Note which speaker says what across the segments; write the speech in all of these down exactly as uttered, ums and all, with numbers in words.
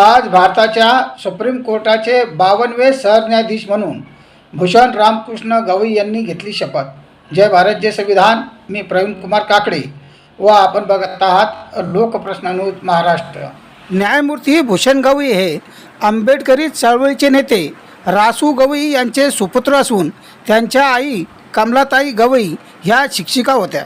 Speaker 1: आज भारताच्या सुप्रीम कोर्टाचे बावनवे सरन्यायाधीश म्हणून भूषण रामकृष्ण गवई यांनी घेतली शपथ। जय भारत जय संविधान। मी प्रवीण कुमार काकडे व आपण बघत आहात लोकप्रश्न न्यूज महाराष्ट्र। न्यायमूर्ती भूषण गवई हे आंबेडकरी चळवळीचे नेते रासू गवई यांचे सुपुत्र असून त्यांच्या आई कमलाताई गवई ह्या शिक्षिका होत्या।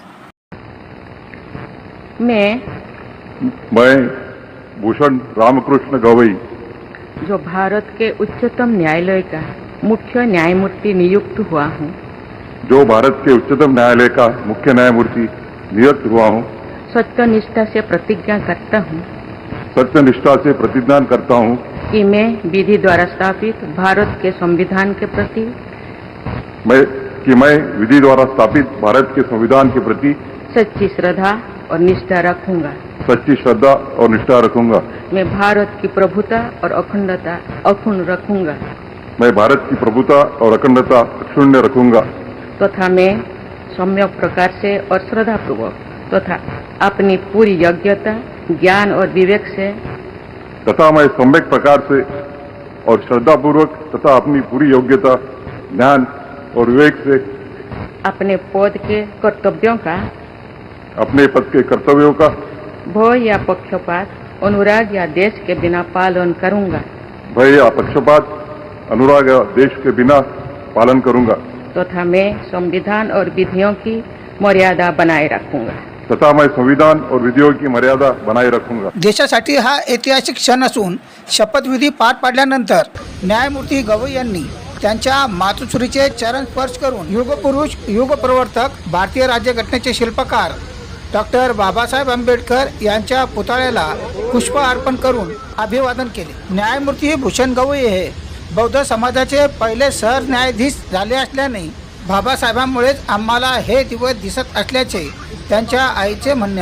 Speaker 2: मैं
Speaker 3: मैं भूषण रामकृष्ण गवई
Speaker 2: जो भारत के उच्चतम न्यायालय का मुख्य न्यायमूर्ति नियुक्त हुआ हूँ,
Speaker 3: जो भारत के उच्चतम न्यायालय का मुख्य न्यायमूर्ति नियुक्त हुआ हूँ,
Speaker 2: सत्यनिष्ठा से प्रतिज्ञा करता हूँ
Speaker 3: सत्यनिष्ठा से प्रतिज्ञा करता हूँ
Speaker 2: कि मैं विधि द्वारा स्थापित भारत के संविधान के प्रति
Speaker 3: मैं कि मैं विधि द्वारा स्थापित भारत के संविधान के प्रति
Speaker 2: सच्ची श्रद्धा और निष्ठा रखूंगा।
Speaker 3: सच्ची श्रद्धा और निष्ठा रखूंगा।
Speaker 2: मैं भारत की प्रभुता और अखंडता अक्षुण्ण रखूंगा
Speaker 3: मैं भारत की प्रभुता और अखंडता अक्षुण्ण रखूंगा
Speaker 2: तथा मैं सम्यक प्रकार से और श्रद्धापूर्वक तथा अपनी पूरी योग्यता ज्ञान और विवेक से
Speaker 3: तथा मैं सम्यक प्रकार से और श्रद्धापूर्वक तथा अपनी पूरी योग्यता ज्ञान और विवेक से
Speaker 2: अपने पद के कर्तव्यों का
Speaker 3: अपने पद के कर्तव्यों का
Speaker 2: भय या पक्षपात अनुराग या देश के बिना पालन करूंगा
Speaker 3: भय या पक्षपात अनुराग या देश के बिना पालन करूंगा
Speaker 2: तथा मैं संविधान और विधियों की मर्यादा बनाए रखूंगा
Speaker 3: तथा मैं संविधान और विधियों की मर्यादा बनाए रखूंगा।
Speaker 1: देशासाठी हा ऐतिहासिक क्षण असून शपथविधी पार पाडल्यानंतर न्यायमूर्ती गवई यांनी त्यांच्या मातोश्रीचे चरण स्पर्श करून युगपुरुष युगप्रवर्तक भारतीय राज्यघटनेचे शिल्पकार डॉक्टर बाबासाहेब आंबेडकर यांच्या पुतळ्याला पुष्प अर्पण करून अभिवादन केले। न्यायमूर्ती भूषण गवई हे बौद्ध समाजाचे पहिले सरन्यायाधीश झाले असल्याने बाबासाहेबांमुळेच आम्हाला हे दिवस दिसत असल्याचे त्यांच्या आईचे म्हणणे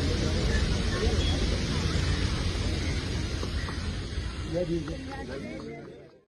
Speaker 1: आहे।